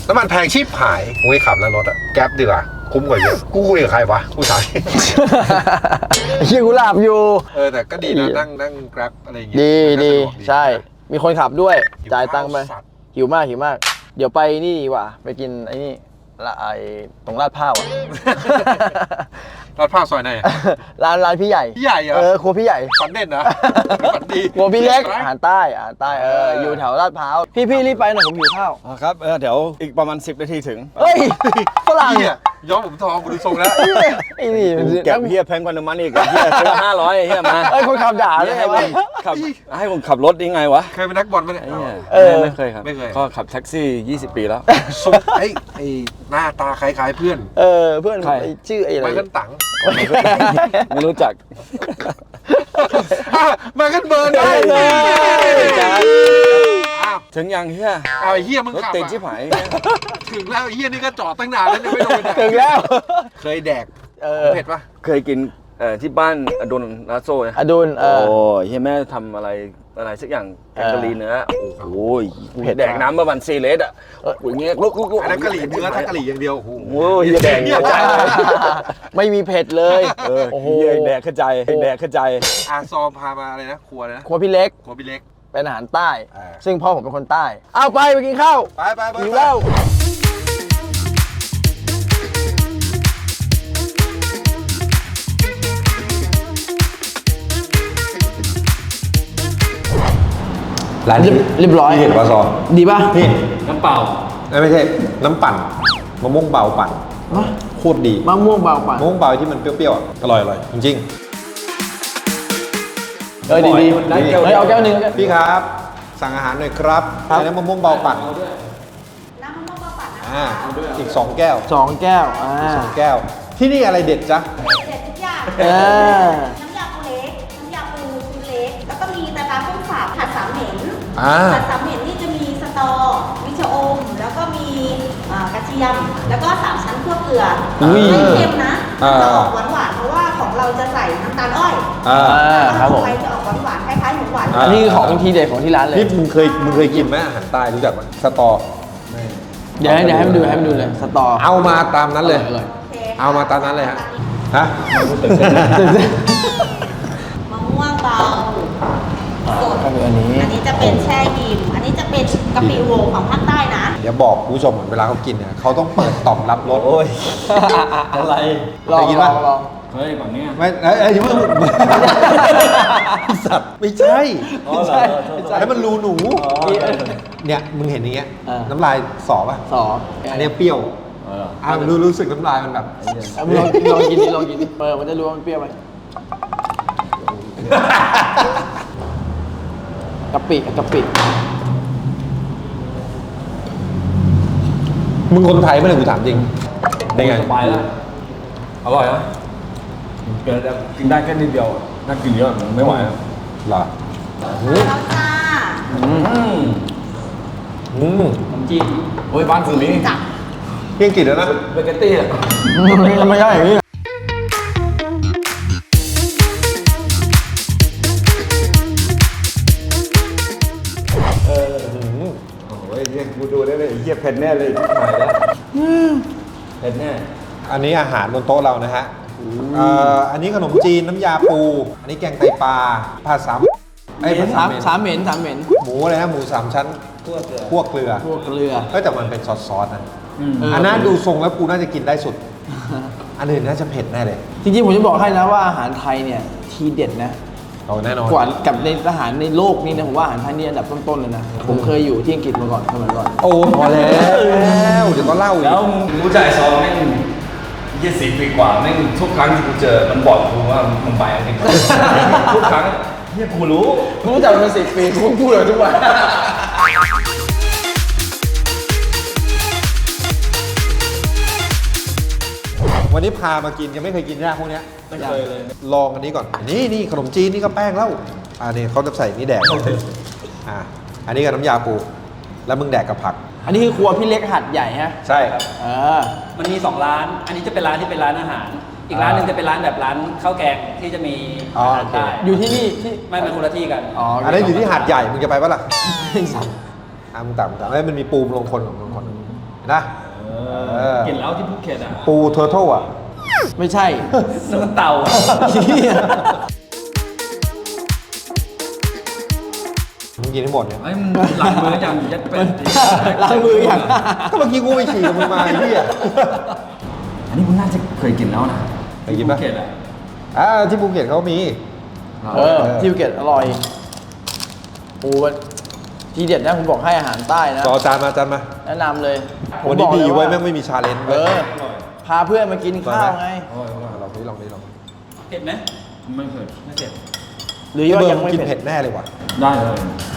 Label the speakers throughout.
Speaker 1: น้ำมันแพงชีพหายกูไม่ขับแล้วรถอะแก๊ปดีกว่าคุ้มกว่าเยอะกูคุยกับใครวะกูถาม
Speaker 2: เฮียกูหลับอยู่
Speaker 1: แต่ก็ดีนะนั่งแกร็บอะไรอย่างเงี้ย
Speaker 2: ดีใช่มีคนขับด้วยจ่ายตังค์ไป
Speaker 1: สัตว์
Speaker 2: หิวมากเดี๋ยวไปนี่ดีกว่าไปกินไอ้นี่ละไอ้ตรงลาดพร้าวอ่ะ
Speaker 1: ลาดพร้าวซอยไหน
Speaker 2: ร้านพี่ใหญ่
Speaker 1: พี่ใหญ่เหรอ
Speaker 2: ครัวพี่ใหญ่
Speaker 1: ฝันเด่นนะฝันดี
Speaker 2: ครัวพี่เล็กอาหารใต้อยู่แถวลาดพร้าวพี่รีบไปหน่อยผมหิวข้าว
Speaker 3: ครับเดี๋ยวอีกประมาณ10 นาทีถึง
Speaker 2: เฮ้ยฝรั่ง
Speaker 1: เนี่ยย้อมผมทองกูดูทรงแล้ว
Speaker 2: ไอ้นี่
Speaker 3: แก็บเฮียแพงกว่าน้ำมันอีกเฮียซื้อ500เฮียมา
Speaker 2: เอ้ยคนขับด่าเลย
Speaker 3: ให้ผมขับรถยังไงวะ
Speaker 1: เคยเป็นนักบอลไหมเนี่ย
Speaker 3: ไม่เคยครับก็ขับแท็กซี่20 ปีแล้ว
Speaker 1: ทรงไอ้หน้าตาคล้ายๆเพื่อน
Speaker 2: เพื่อนชื่อไอ้อะไร
Speaker 1: ไมเคิลตัง
Speaker 3: ไม่รู้จัก
Speaker 1: ไมเคิลเบิร์นได้
Speaker 3: ถึงยังเฮีย
Speaker 1: ไอ้เฮียมึง
Speaker 3: รถ
Speaker 1: ขับ
Speaker 3: ติดชิบหาย
Speaker 1: ถึงแล้วไอ้เฮียนี่ก็จอดตั้งนานแล้วยังไม่ลงไป
Speaker 2: ถึงแล้ว
Speaker 1: เคยแดกเผ็ดปะ
Speaker 3: เคยกินที่บ้านอดุลลาโซ่นะ
Speaker 2: อดุล
Speaker 3: โอ้เฮียแม่ทำอะไรสักอย่างแกงกะหรี่เนื้อโอ้ยแดกน้ำประมาณ4 ลิตรอ่ะอย่างเงี้ยลุก
Speaker 1: อันนั้นกะหรี่เนื้อถ้ากะหรี่อย่างเดียวโอ้โห
Speaker 3: โอ้ยแดกกระจาย
Speaker 2: ไม่มีเผ็ดเลยโอ้โห
Speaker 3: แดกกระจาย
Speaker 1: ซอมพามาอะไรนะครัวนะ
Speaker 2: ครัวพี่เล็ก
Speaker 1: ครัวพี่เล็ก
Speaker 2: เป็นอาหารใต้ซึ่งพ่อผมเป็นคนใต้เอาไปกินข้าว
Speaker 1: ไป
Speaker 2: หิวแล้ว
Speaker 1: ร้านนี้
Speaker 2: เรียบร้อย
Speaker 1: เห็นปลาซอ
Speaker 2: ดีป่ะ
Speaker 1: นี่
Speaker 3: น้ำเปล่า
Speaker 1: ไม่ใช่น้ำปั่นมะม่วงเบาปั่นโคตรดี
Speaker 2: มะม่วงเบาปั่น
Speaker 1: มะม่วงเบาที่มันเปรี้ยวๆอร่อยจริง
Speaker 2: ดีเอาแก้วนึง
Speaker 1: พี่ครับ สั่งอาหารหน่อยครับแล้วมะม่วงเบาปั่น
Speaker 4: น้ำมะม่วงเบาปั่นนะ
Speaker 1: อีก2 แก้ว
Speaker 2: 2 แก้ว
Speaker 1: 2 แก้วที่นี่อะไรเด็ดจ๊ะ
Speaker 4: เด็ดทุกอย่างน้ำยาปูเล็กน้ำยาปูเล็กแล้วก็มีตากุ้งสับผัดสามเหม็นผัดสามเหม็นนี่จะมีสตอมีชะอมแล้วก็มีกระเทียมแล้วก็3 ชั้นคั่วเกลือไม่เค็มนะจะออกหวานๆเพราะว่าของเราจะใส่น้ำตาลอ้อย
Speaker 2: ครับผม
Speaker 4: ไปจะออกหวานๆคล้ายๆหมูหวาน
Speaker 2: อันนี้ของทีเด็ดของที่ร้านเลย
Speaker 1: นี่มึงเคยกินไหมอาหารใต้รู้จักไหมสตอ
Speaker 2: เดี๋ยวให้มันดูเลยสตอ
Speaker 1: เอามาตามนั้นเลยเอามาตามนั้นเลยฮะ
Speaker 4: มะม่วงเบาสดอันนี้จะเป็นแช่อิ่มอันนี้จะเป็นกะปิโวของภาคใต้นะ
Speaker 1: เดี๋ยวบอกผู้ชมเวลาเขากินเนี่ยเขาต้องเปิดต่อมรับรส
Speaker 3: อะไร
Speaker 1: เคยกินป่ะ
Speaker 3: เฮ้ยแบบนี้
Speaker 1: ไม่ยังไม่สัตว์ไม่ใช่แล้วมันรูหนูเนี่ยมึงเห็นอย่างเงี้ยน้ำลายสอป่ะอันนี้เปรี้ยวรู้สึกน้ำลายมันแบบ
Speaker 2: ลองกินดิมันจะรู้ว่ามันเปรี้ยวไหมกะปิ
Speaker 1: มึงคนไทยไม่เลยกูถามจริงได้ไง
Speaker 3: สบายแล้วอร่อยนะกินได้แค่นิดเดียวน่ากินเยอะไม่ไหวแล้ว
Speaker 1: หรอ
Speaker 4: แล้วจ้า
Speaker 3: น้ำจิ้มโอ้ยบ้านคุณนี่
Speaker 1: เพียงกินแล้วนะ
Speaker 3: เบเกตตี้อ่ะ
Speaker 2: ไม่ใช่อย่างนี้
Speaker 3: โอ้ยกูดูได้เลยเหี้ยเผ็ดแน่เลยถ่ายแล้วเผ็ดแน่
Speaker 1: อันนี้อาหารบนโต๊ะเรานะฮะอันนี้ขนมจีนน้ำยาปูอันนี้แกงไตปลาผัดสาม
Speaker 2: เหม็น
Speaker 1: หมูอะไรนะหมู3 ชั้นคั่วเกลือแต่มันเป็นซอสนะอันนั้นดูทรงแล้วกูน่าจะกินได้สุดอันอื่นน่าจะเผ็ดแน่เลย
Speaker 2: จริงๆผมจะบอกให้นะว่าอาหารไทยเนี่ยทีเด็ดนะ
Speaker 1: แน่นอน
Speaker 2: กว่ากับในอาหารในโลกนี้นะผมว่าอาหารไทยนี่อันดับต้นๆเลยนะผมเคยอยู่ที่อังกฤษมาก่อนสมัยก่อน
Speaker 1: โอ้พอแล้วเดี๋ยวก็เล่าอีก
Speaker 3: แล้วกูจ่ายซองแม่ง20 ปีกว่าแม่งทุกครั้งที่กูเจอมันบอกกูว่ามันไปอังกฤษทุกครั้งเนี่ยกูรู้
Speaker 2: จักมัน10 ปีกูพูดเลยทุกวัน
Speaker 1: วันนี้พามากินยังไม่เคยกินยากพวกนี้
Speaker 3: ไม่เคยเลย
Speaker 1: ลองอันนี้ก่อนนี่ขนมจีนนี่ก็แป้งแล้วนี่เขาจะใส่นี่แดกอันนี้กับน้ำยาปูแล้วมึงแดกกับผัก
Speaker 2: อันนี้คือครัวพี่เล็กหัดใหญ่ฮะ
Speaker 1: ใช่ครับ
Speaker 5: มันมี2 ร้านอันนี้จะเป็นร้านที่เป็นร้านอาหารอีกร้านหนึ่งจะเป็นร้านแบบร้านข้าวแกงที่จะมีอาหารใต้
Speaker 2: อยู่ที่นี่ที่
Speaker 5: ไม่เป็นคนละที่กัน
Speaker 1: อันนี้อยู่ที่หาดใหญ่มึงจะไปปะล่ะมึงต่ำแล้วมันมีปูมลงคนนะ
Speaker 3: กินแล้วที่ภูเก็ตอ่ะ
Speaker 1: ปูเทอร์เทิลอ่ะ
Speaker 2: ไม่ใช่
Speaker 5: น้ำมันเต่าอะ
Speaker 1: มึงกินให้หมดเนี่ย
Speaker 3: ไอ้มึงหลังมืออย่างยัดเป็น
Speaker 2: ล้างมืออย่าง
Speaker 1: ก็เมื่อกี้กูไปฉี่กับมึงมาไอ้เหี้ย
Speaker 3: อันนี้คุณน่าจะเคยกินแล้วนะ
Speaker 1: เคยกินปะ
Speaker 3: ที่ภูเก็ตอ่ะ
Speaker 1: ที่ภูเก็ตเขามี
Speaker 2: ที่ภูเก็ตอร่อยโอ้ทีเด็ดนะผมบอกให้อาหารใต้นะ
Speaker 1: จอจานมาจานมา
Speaker 2: แนะนำเลยผม
Speaker 1: วัน
Speaker 2: บ
Speaker 1: นี้
Speaker 2: อก
Speaker 1: ดี
Speaker 2: เลย
Speaker 1: เว้ย
Speaker 2: ว่า
Speaker 1: แม่งไม่มีชาเลนจ์
Speaker 2: เอ
Speaker 1: เว้ย
Speaker 2: อพาเพื่อนมากินข้าวไง
Speaker 1: ลองดิลองดิลอง
Speaker 5: เผ็ดไหม
Speaker 3: ไม่เคย
Speaker 5: ไม่เผ็ด
Speaker 2: หรือ
Speaker 1: พี่
Speaker 2: ว่า
Speaker 1: เบิร์
Speaker 2: ยั
Speaker 1: ม
Speaker 2: งไม่
Speaker 1: กิน
Speaker 2: เผ็
Speaker 1: เผ็
Speaker 2: ด
Speaker 1: ดแน่เลยว่ะ
Speaker 3: ได้เลย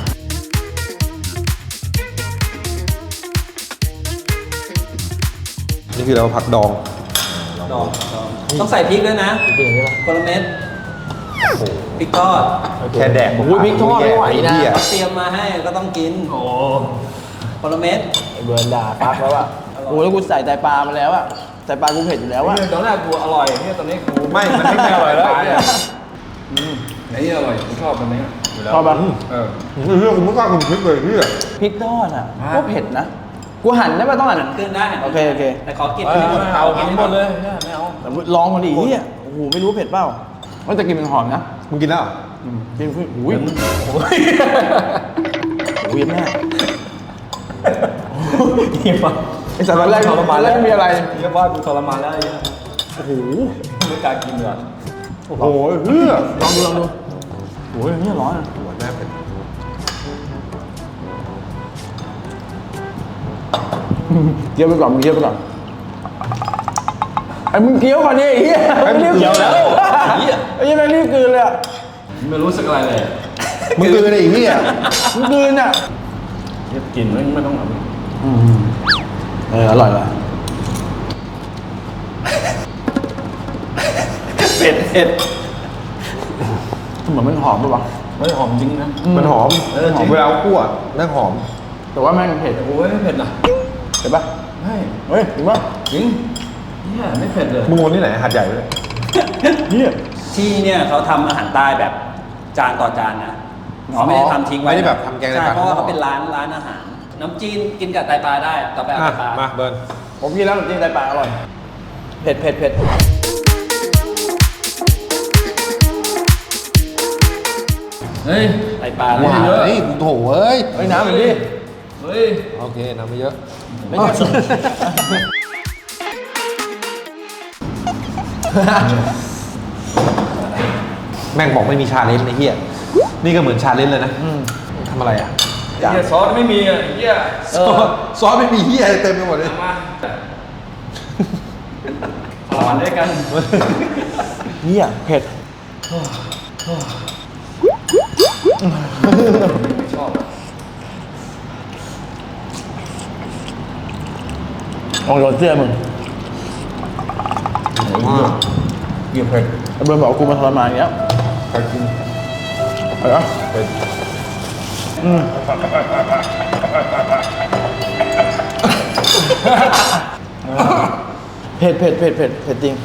Speaker 1: นี่คือเราผักดอง
Speaker 5: ดองต้องใส่พริกด้วยนะ
Speaker 2: จริงใช่ปะ
Speaker 5: คนละเม็ดพริกทอด
Speaker 1: แค่แดก
Speaker 2: โอ้ยพริกทอดไม่ไหวนะ
Speaker 1: เหี้ย
Speaker 5: เตรียมมาให้ก็ต้องกิน
Speaker 3: โอ้
Speaker 5: คนละเม็ด
Speaker 2: ไอ้เบิร์นด่าปั๊บแล้วอะโอ้แล้วกูใส่ไตปลามาแล้วอะไตปลากูเผ็ดอยู่แล้วอะ
Speaker 3: เนี่ยตอนแรกกูอร่อยเนี่ยตอนนี้กู
Speaker 1: ไม่มันไม่อร่อยแล้ว
Speaker 3: ไอ้นี่อร่อยกูชอบตอนนี้อยู่แล้ว
Speaker 2: ชอบปะ
Speaker 3: เออ
Speaker 1: เรื่องผมไม่กล้ากินพริกเลยพี่
Speaker 2: พริกทอดอะก็เผ็ดนะกูหั่นได้ปะต้องหั่น
Speaker 5: ขึ้นได้
Speaker 2: โอเคโอเค
Speaker 5: แต่ขอกิน
Speaker 3: ไม่เอากินหมดเลยไม่เอา
Speaker 2: แต่ลองมาดิเฮียโอ้โหไม่รู้เผ็ดเปล่าว่าจะกินเป็นหอมนะ
Speaker 1: มึงกินแล้วเหรอ
Speaker 2: กินขึ้นอุ้ยโอ้ยแม่ไอ้สารแรกแรกมีอะไร
Speaker 3: เรียกว่ากูทรมานแล้วไอ้เนี่ย
Speaker 2: โอ้โห
Speaker 3: ไม่กล้ากินเลย
Speaker 1: โอ้โหเฮ้ย
Speaker 2: ลองดูโอ้ยนี่ร้อนอะ
Speaker 1: หัวแม่เป็น
Speaker 2: เคี้ยวไปก่อนมึงเคี้ยวไปก่อนไอ้มึงเคี้ยวก่อนดิไอ้เหี้ย
Speaker 1: ไอ้มึงเคี้ยวแล้ว
Speaker 2: ไอ้เหี้ยแม่งรีบกลืนเลยอะ
Speaker 3: ไม่รู้สึกอะไรเลย
Speaker 1: มึงกินอะไรอีกพี่อ่ะ
Speaker 2: มึงกลืนอะ
Speaker 3: เรียบกินไม่ต้องเอา
Speaker 2: อร่อยว่ะ
Speaker 3: เผ็ดเผ็ด
Speaker 2: เหมือนมันหอมป่ะวะ
Speaker 3: ไม่หอมจริงนะ
Speaker 1: มันหอม
Speaker 3: จริง
Speaker 1: เวลาคั่วแม่งหอม
Speaker 2: แต่ว่าแม่งเผ็ด
Speaker 3: โอ้ยไม่เผ็ดนะ
Speaker 2: เห็นปะ
Speaker 3: ไม่
Speaker 2: เฮ้ยจริงปะ
Speaker 3: จริงเนี่ยไม่เผ็ดเลย
Speaker 1: มึงวนที่ไหนหัดใหญ่เลย
Speaker 2: เนี่ย
Speaker 5: ที่เนี่ยเขาทำอาหารใต้แบบจานต่อจานนะเขาไม่ได้ทำทิ้งไว้
Speaker 1: ไม่ได้แบบทำแกงใน
Speaker 5: ใช่
Speaker 1: ปาก
Speaker 5: เพราะว่าเขาเป็นร้านอาหาร น้ำจีนกินกับไตปลาได้ต่อไปเอา
Speaker 1: อ่ะ
Speaker 5: ไตปลา
Speaker 1: มาเบิร์น
Speaker 2: ผมกินแล้วจริงไตปลาอร่อย เผ็ดเผ็ดเผ็ด
Speaker 3: เฮ้ย
Speaker 5: ไตปลา
Speaker 3: หวาน
Speaker 5: เลย
Speaker 1: เฮ้ยกูโถเอ้ย
Speaker 2: เฮ้ยน้ำเหมือนดิ
Speaker 3: เฮ้ย
Speaker 1: โอเคน้ำไม่เยอะ
Speaker 2: ไม่ใช่
Speaker 1: แม่งบอกไม่มีชาเลนจ์ในเฮียนี่ก็เหมือนชาเลนจ์เลยนะทำอะไรอ่ะ
Speaker 3: เหี้ยซอสไม่มีอ่ะเหี้ย
Speaker 1: ซอสไม่มีเฮียอะไรเต็มไปหมดเลย
Speaker 3: มาทรมานด้วยกัน
Speaker 2: เนี่ยเผ็ด
Speaker 3: ชอบ
Speaker 2: ลองโดนเสื้อมึง
Speaker 3: เกี่ยวเผ็ด
Speaker 2: ไอ้เบิร์นบอกกูมาทรมานอย่างเงี้ย
Speaker 3: ใครกิน
Speaker 2: อะไรวะ
Speaker 3: เผ็ด
Speaker 2: เผ็ดเผ็ดเผ็ดเผ็ดเผ็ดจริง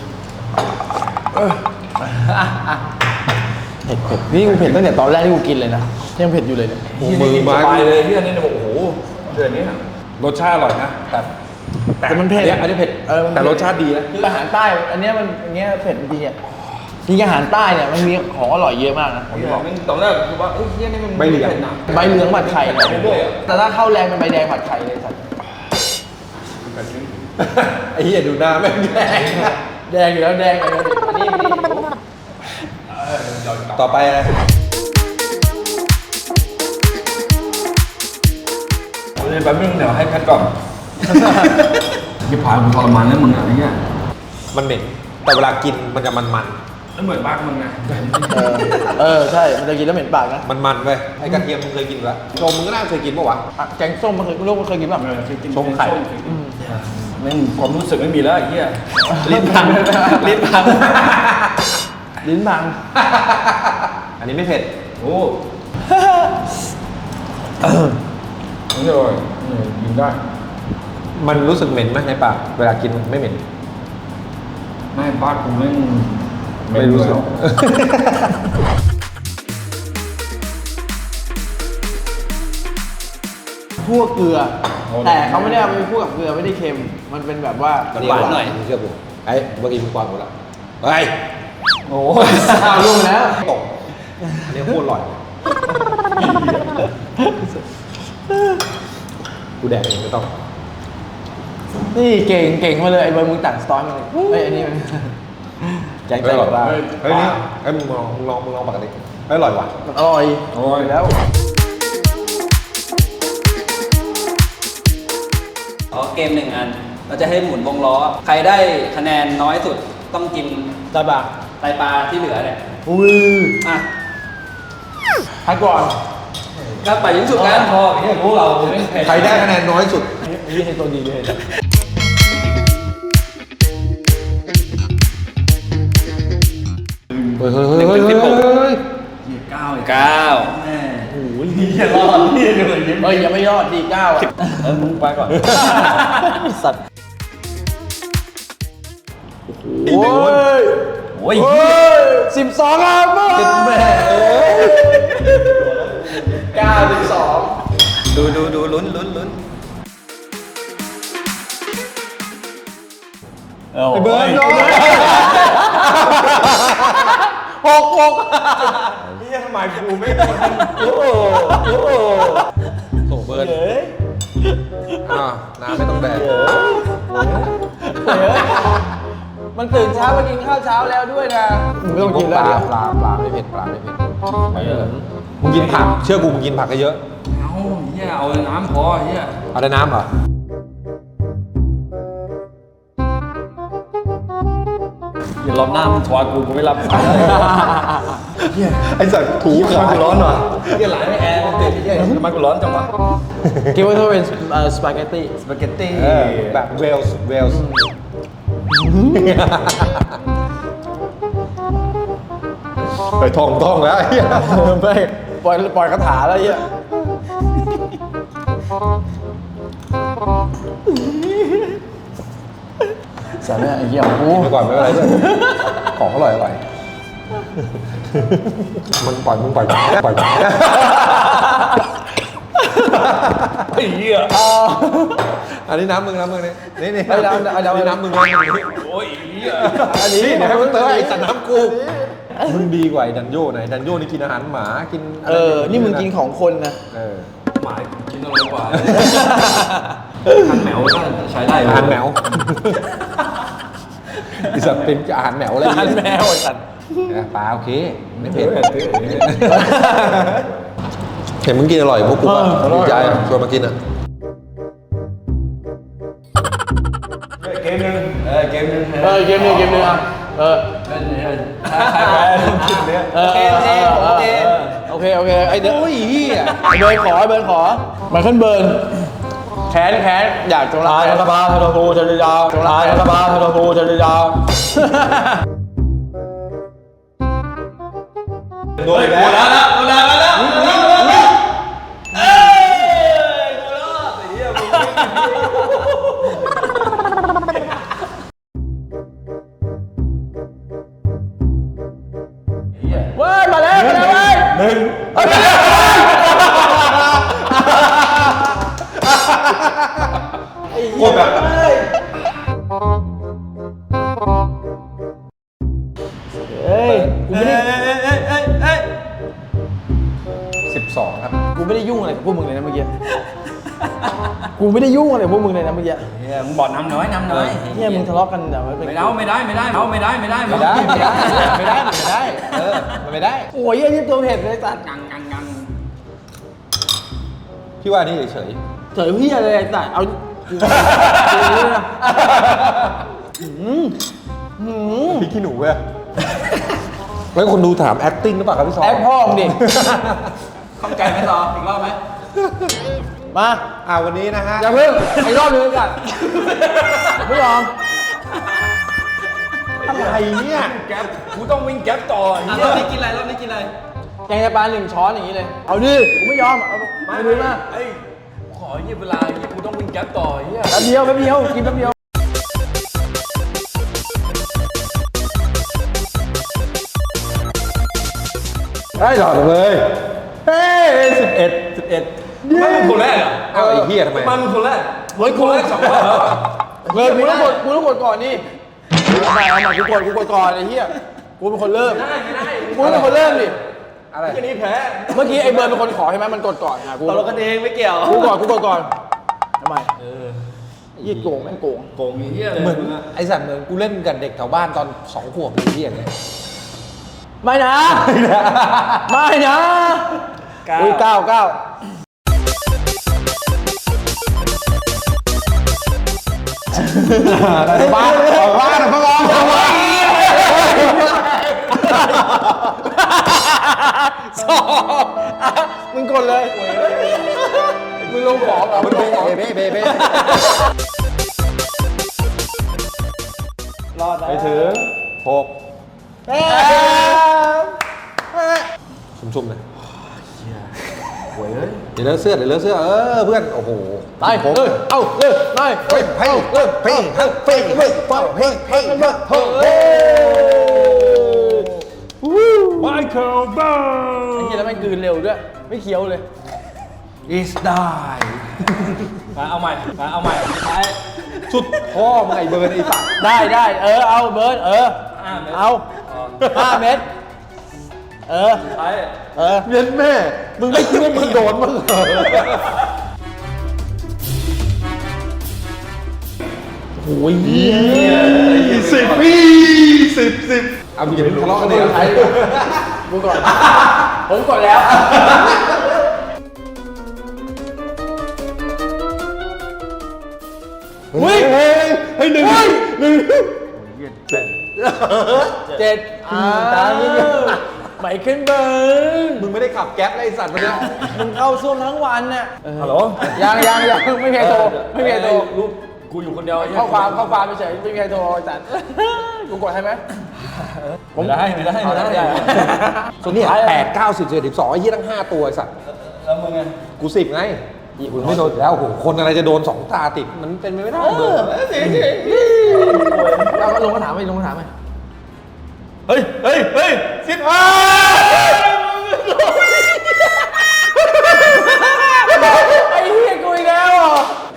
Speaker 2: เผ็ดเผ็ดนี่กูเผ็ดตั้งแต่ตอนแรกที่กูกินเลยนะยังเผ็ดอยู่เลยเนี่ย
Speaker 1: โอ้มือไม้
Speaker 3: สบายเลยเหี้ยนี่โอ้โหเดือนนี้
Speaker 1: รสชาติอร่อยนะแต่
Speaker 2: แต่มันเผ็ด
Speaker 1: อันนี้เผ็ด
Speaker 2: มัน
Speaker 1: แต่รสชาติดีนะ
Speaker 2: คืออาหารใต้อันเนี้ยมันอันเนี้ยเผ็ดจริงๆอ่ะจริงๆอาหารใต้เนี่ยมันมีของอร่อยเยอะมากนะ
Speaker 3: ตอนแรกคือว่าเอ้ยเหี้ยนี่มัน
Speaker 1: ใบเหลียง
Speaker 3: ผ็ดนะ
Speaker 2: ใบเหลืองผัดไข่เนี่ย
Speaker 3: ไปเรื่อยอะ
Speaker 2: แต่ถ้าเข้าแรงเป็นใบแดงผัดไข่เลยสัตว์
Speaker 1: ไอ้เหี้ยดูหน้าแม่งแดง
Speaker 2: แดงอยู่แล้วแดงอยู่แล้วนี่
Speaker 1: ต่อไปอะไร
Speaker 3: เดี๋ยวแป๊บนึงเดี๋ยวให้แพทก่อนอย่าพากูทรมานแล้วมึงอ่ะไอ้เงี้ย
Speaker 1: มันเหม็นแต่เวลากินมันจะมัน
Speaker 3: แล้วเหมือนบ้านมึงไง
Speaker 2: ใช่มันจะกินแล้วเหม็นปากนะ
Speaker 1: ๆมันๆเว้ยไอ้กระเทียมมึงเคยกินปะโชมมึงก็น่าเคยกินปะวะ
Speaker 2: อ่ะแกงส้มมันเคยลูกมันเคยกินป่ะ
Speaker 1: ชงไข่
Speaker 3: แม่งความรู้สึกไม่มีแล้วไอ้เหี้ย
Speaker 1: ลิ้นพังลิ้นพัง
Speaker 2: ลิ้นพัง
Speaker 1: อันนี้ไม่เผ็ด
Speaker 3: โอ้นี่อร่อยกินได้
Speaker 1: มันรู้สึกเหม็นไหมในปากเวลากินไม่เหม็น
Speaker 3: ไม่บ้านกูแม่ง
Speaker 1: ไม่รู้สึก
Speaker 2: ทั่วเกลือแต่เขาไม่ได้เอาไปคู่กับเกลือไม่ได้เค็มมันเป็นแบบว่า
Speaker 5: หวานหน่อย
Speaker 1: เชื่อผมไอ้เมื่อกี้มึงกวางหมดแล้วเฮ้ย
Speaker 2: โอ้ยเอาลงแล้ว
Speaker 1: ตกอันนี้โคตรอร่อยกูแดกเองไม่ต้อง
Speaker 2: นี่เก่งมาเลยไอ้เบอร์มึงตัดสตอร์มาเลยเฮ้ยอันนี้มันแกงไก่ปลา
Speaker 1: เฮ้ยนี่ไอ้มึงลองปกติไม่อร่อยว่ะ
Speaker 2: มันอร่อยแล้ว
Speaker 5: เกม1 อัน เราจะให้หมุนวงล้อ ใครได้คะแนนน้อยสุดต้องกิน
Speaker 2: ไตปลา
Speaker 5: ไตปลาที่เหลือเนี่ย
Speaker 2: อุ้ย
Speaker 5: อ่ะ
Speaker 2: พักก่อน
Speaker 5: ก็ไปยิงสุดกันพอเนี่ยพวกเราไม่เผ็ด
Speaker 1: ใครได้คะแนนน้อยสุด
Speaker 2: นี่ให้ตัวดีเลย
Speaker 1: เฮ้ยเฮ้ยเฮ้ยเฮ้ยเฮ้ย
Speaker 5: 9
Speaker 2: โอ้ยอย่ารอดนี่เลยเฮ้ยยังไม่รอดดี9อ่ะ
Speaker 3: มึงไปก่อน
Speaker 2: สัตว์โอ้ย
Speaker 3: โอ้ย
Speaker 2: 12ครับติดแม่9-12
Speaker 5: ดูลุ้น
Speaker 2: ไอ้เบิร์ดโดน6
Speaker 1: นี่ทำไมกูไม่โอ้โหโถเบิร์นน้ำไม่ต้องแดก
Speaker 2: มันตื่นเช้ามากินข้าวเช้าแล้วด้วยนะมึงไม่ต้องกินแล้ว
Speaker 1: ปลาไม่เผ็ดปลาไม่เผ็ดมึงกินผักเชื่อกูมึงกินผักเยอะ
Speaker 3: เอาเฮียเอาน้ำพอเฮีย
Speaker 1: เอาได้น้ำเหรอ
Speaker 3: อย่ารอบหน้ามึงถอดกูไม่รับสาย
Speaker 1: ไอ้สัตว์ถูขา
Speaker 3: กูร้อนว่ะเฮียหลายไม่แอร์มันติดเฮียทำไมกูร้อนจังวะ
Speaker 2: คิดว่าถ้าเป็นสปาเกตตี้
Speaker 3: สปาเกตตี้
Speaker 1: แบบเวลส์ไปท่องแล้วไอ้เหี้ย
Speaker 2: ไม่ปล่อยคาถาแล้วเหี้ยสาเนี่ยไอ้เหี้ยโอ้
Speaker 1: ไปก่อนไม่เป็นไรด้วยของอร่อยมึงปล่อย
Speaker 3: ไอ้เหี้ย
Speaker 1: อันนี้น้ำมึงนี่นี่
Speaker 2: ไอ้น้ำ
Speaker 1: น้ำมึง
Speaker 3: โอ้ยเหี้ย
Speaker 2: อันนี้
Speaker 1: นี่เดี๋ยวให้มึงเติมไอ้สัตว์น้ำกูมึงดีกว่าไอ้ดันโย่ไหนดันโย่นี่กินอาหารหมากิน
Speaker 2: นี่มึงกินของคนนะ
Speaker 3: หมากินอร่อยกว่าทันแมวก็ใช้ได้
Speaker 1: อาหารแมวไอ้สัตว์เป็นอาหารแมวอะไร
Speaker 2: อาหารแมวไอ้สัตว์
Speaker 1: ปลาโอเคไม่เผ็ดเห็นมึงกินอร่อยพวกกูอ่ะดีใจชวนมากินอ่ะ
Speaker 3: เกมนึงเกมนึง
Speaker 2: เกมนึงอ่ะ
Speaker 3: เล่นเนี่ยใครแพ้กินเนี้ย
Speaker 2: โอเคไอ้เด้อโอ้ยเหี้ยเบิร์นขอมาขึ้นเบิร์นแค้นอยากจงร้ายรัฐบาลทรพูจริยาจงร้ายรัฐบาลทรพูจริยา
Speaker 1: โดนแล้ว
Speaker 2: เว้ยมาแล้วเว้ยหนึ่งโคตรแบบเฮ้ยกูไม่ได้
Speaker 1: 12 ครับ
Speaker 2: กูไม่ได้ยุ่งอะไรกับพวกมึงเลยนะเมื่อกี้กูไม่ได้ยุ่งอะไรกับพวกมึงเลยนะเมื่อกี้
Speaker 3: เฮียมึงบอกน้ำน้อย
Speaker 2: เนี่ยมึงทะเลาะกันแบบว่า
Speaker 3: ไม่ได้ไม่ได้ไม่ได้ไม่ได้ไม่ได้
Speaker 2: ไม่ได้มันไม่ได้โอ้ยไอ้นี่ตัวเผ็ดเลยสัตว์
Speaker 3: กัง
Speaker 1: พี่ว่านี่เฉย
Speaker 2: เฉยพี่อะไรสัตว์เอา
Speaker 1: พี่ขี้หนูเว้ยแล้วคนดูถาม acting หรือเปล่าครับพี่ซอ
Speaker 2: แอปพ่อมึงดิ
Speaker 5: ข้องใจไหมซออีกรอบไหม
Speaker 2: มา
Speaker 1: วันนี้นะฮะ
Speaker 2: อย่าเพิ่งไอ้รอบนึงก่อนไม่ยอม
Speaker 1: อะไรเนี่ย
Speaker 3: แก๊ปกูต้องวิ่งแก๊ปต่อ
Speaker 5: รอบนี้กินอะไร
Speaker 2: แกงไตปลา1 ช้อนอย่างนี้เลยเอาดิกูไม่ยอมเอาไม่รู้นะ
Speaker 3: ไอ้ขอเวลากูต้องวิ่งแก๊ปต่อเฮีย
Speaker 2: แป๊บเดียวกินแป๊บเดียว
Speaker 1: ได้หรอเลยเฮ้ย11
Speaker 3: มันเป็นคนแรกอ่ะ
Speaker 1: อ้าวไอ้เหี้ยทำไม
Speaker 3: มันเป็นคนแรก
Speaker 2: เฮ้ยกู
Speaker 3: คนแรกสองรอบแล้ว
Speaker 2: เฮ้ยกูต้องกดก่อนนี่เอาใหม่กูกดก่อนไอ้เหี้ยกูเป็นคนเริ่มกูเป็นคนเริ่มดิ
Speaker 1: อะไร
Speaker 3: แค่นี้แพ้
Speaker 2: เมื่อกี้ไอ้เบิร์นเป็นคนขอใช่ไหมมันกดก่อนอ่ะกู
Speaker 5: ตกลงกันเองไม่เกี่ยว
Speaker 2: กูกดก่อนทำไมยี่โกงแม่งโกง
Speaker 3: โกงเหี้ยเลย
Speaker 1: เหมือนไอ้สัตว์เหมือนกูเล่นกับเด็กแถวบ้านตอน2 ขวบเลยที่อย่างเงี้ย
Speaker 2: ไม่นะไม่นะ
Speaker 5: เก้า
Speaker 2: อุ้ยเก้า
Speaker 1: บ้านบ้านพะลอง
Speaker 2: สองมึงกดเลยมึงลงของเหรอมึงลงของ
Speaker 1: เบ้
Speaker 5: รอด
Speaker 1: ไป
Speaker 5: แล้ว
Speaker 1: ถึง6ชุ่มๆเลยเดี๋ยวเลอะเสื้อเเพื่อนโอ้โห
Speaker 2: ไปเอาไปเฮ้ย
Speaker 1: เฮ้ย
Speaker 3: ไมเคิลเบิร์
Speaker 2: ไอ้เหี้ยแล้วแม่งกลืนเร็วด้วยไม่เคี้ยวเลย
Speaker 1: is die
Speaker 5: มาเอาใหม่ท้าย
Speaker 1: สุดพ่อมึงไอ้เบิร์นไอ้สัตว์
Speaker 2: ได้เอาเบิร์ดเอา5 เม็ด
Speaker 5: ท้าย
Speaker 1: เย็นแม่ มึงไม่คิดว่ามึงโดนมั้งเหรอ
Speaker 2: โอ้ย
Speaker 1: 10เอามึงอย่าเพิ่งทะเลาะกันเลย
Speaker 2: กูก่อนผมก่อนแล้ว
Speaker 1: เฮ้ยหนึ่ง
Speaker 2: 7ไหมขึ้นเบิร์น
Speaker 1: มึงไม่ได้ขับแก๊ปไอ้สัตว์มันเนี่ย
Speaker 2: มึงเข้าซ่วมทั้งวันเนี่ย
Speaker 3: ฮัลโหล
Speaker 2: ยังไม่มีใครโทรไม่มีใครโทร
Speaker 3: รูปกูอยู่คนเดียวไอ้เหี้ย
Speaker 2: ข้อความเฉยไม่มีใครโทรจัดกูกดให้ไหม
Speaker 3: ไม่ได้
Speaker 1: ส่วนนี้8 9 10 11 12ไอ้ยี่ตั้ง5 ตัวไอ้สัตว์
Speaker 3: แล้วมึงไง
Speaker 1: กู10ไงกูไม่โดนแล้วโอ้โหคนอะไรจะโดน2 ตาติดมันเป็นไปไม่ได้เบอร์
Speaker 2: เราก็ลงมาถามไหม
Speaker 3: เฮ้ย15
Speaker 2: ไอ้เหี้ยกูอีกแล้วอ่ะ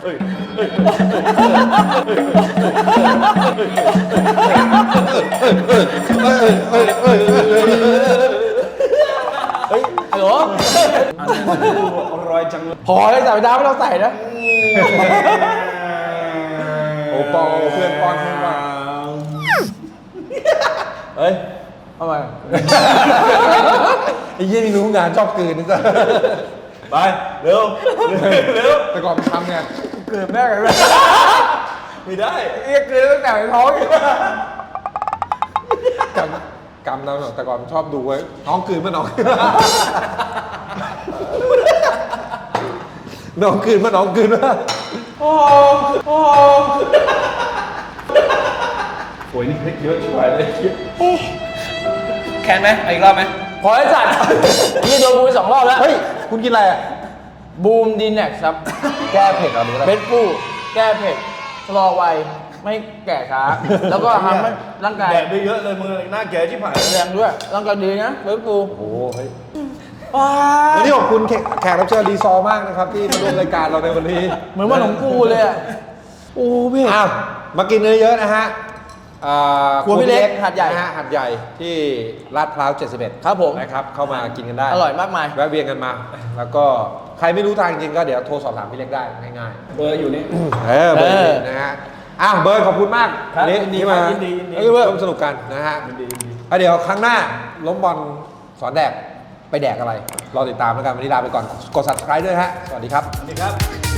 Speaker 2: เฮ้ยฮัลโหล
Speaker 3: อร่อยจังเลย
Speaker 2: พอเลยแต่ไปดาวไม่ต้องใส่นะ
Speaker 1: โอ้ปอเพื่อนป้อนเฮ้ย
Speaker 2: ทำไม
Speaker 1: ไอ้ยี่นี่รู้งานชอบกลืนนี่จ้ะ
Speaker 3: ไปเร็ว
Speaker 1: แต่ก่อนมันทำไง
Speaker 2: เกิดแม่กันเลย
Speaker 3: ไม่ได้
Speaker 2: เรียกเกินตั้งแต่ในท้องอีก
Speaker 1: กำเราแต่ก่อนมันชอบดูไว้น้องกลืนมาน้องน้องกลืนมา
Speaker 3: โอ้ยนี่พริกเยอะช่วยเลย
Speaker 5: แคนไหมอีกรอบไหม
Speaker 2: พอไอ้สัตว์นี่โดนกูไป2 รอบแล้ว
Speaker 1: เฮ้ยคุณกินอะไรอ่ะ
Speaker 2: บูมดีแน็กครับ
Speaker 1: แก้เผ็ดเหรอหรืออะไร
Speaker 2: เบสฟูแก้เผ็ดชะลอวัยไม่แก่ช้า แล้วก็ทำให้ร่างกาย
Speaker 3: แดดไปเยอะเลยมึงหน้าแก่ชิบหาย
Speaker 2: แรงด้วยร่างกายดีนะเบสฟู
Speaker 1: โอ้โหเฮ้ยวันนี้ขอบคุณแขกรับเชิญรีซอร์มากนะครับที่มาร่วมรายการเราในวันนี้
Speaker 2: เหมือนว่าของกูเลยอ่ะโอ้เผ็ด
Speaker 1: อ้าวมากินเยอะๆนะฮะ
Speaker 2: ครัวพี่เล็กหาดใหญ่
Speaker 1: นะฮะหาดใหญ่ที่ลาดพร้าว71
Speaker 2: ครับผม
Speaker 1: นะครับเข้ามากินกันได้
Speaker 2: อร่อยมากมาย
Speaker 1: แวะเวียนกันมา แล้วก็ใครไม่รู้ทางจริงก็เดี๋ยวโทรสอบถามพี่เล็กได้ง่าย
Speaker 5: เบอร์อยู่นี่
Speaker 1: ๆเบอร์นี้นะฮะอ้าวเบิร์ดขอบคุณมาก
Speaker 5: ครับ
Speaker 1: นี่
Speaker 5: ยินดี
Speaker 1: ที่
Speaker 5: ครั
Speaker 1: มา
Speaker 5: บยินดี
Speaker 1: ร่วมสนุกกันนะฮะแล้วเดี๋ยวครั้งหน้าล้มบอลสอนแดกไปแดกอะไรรอติดตามแล้วกันวันนี้ลาไปก่อนกด subscribe ด้วยฮะสวัสดีครับ
Speaker 5: สวัสดีครับ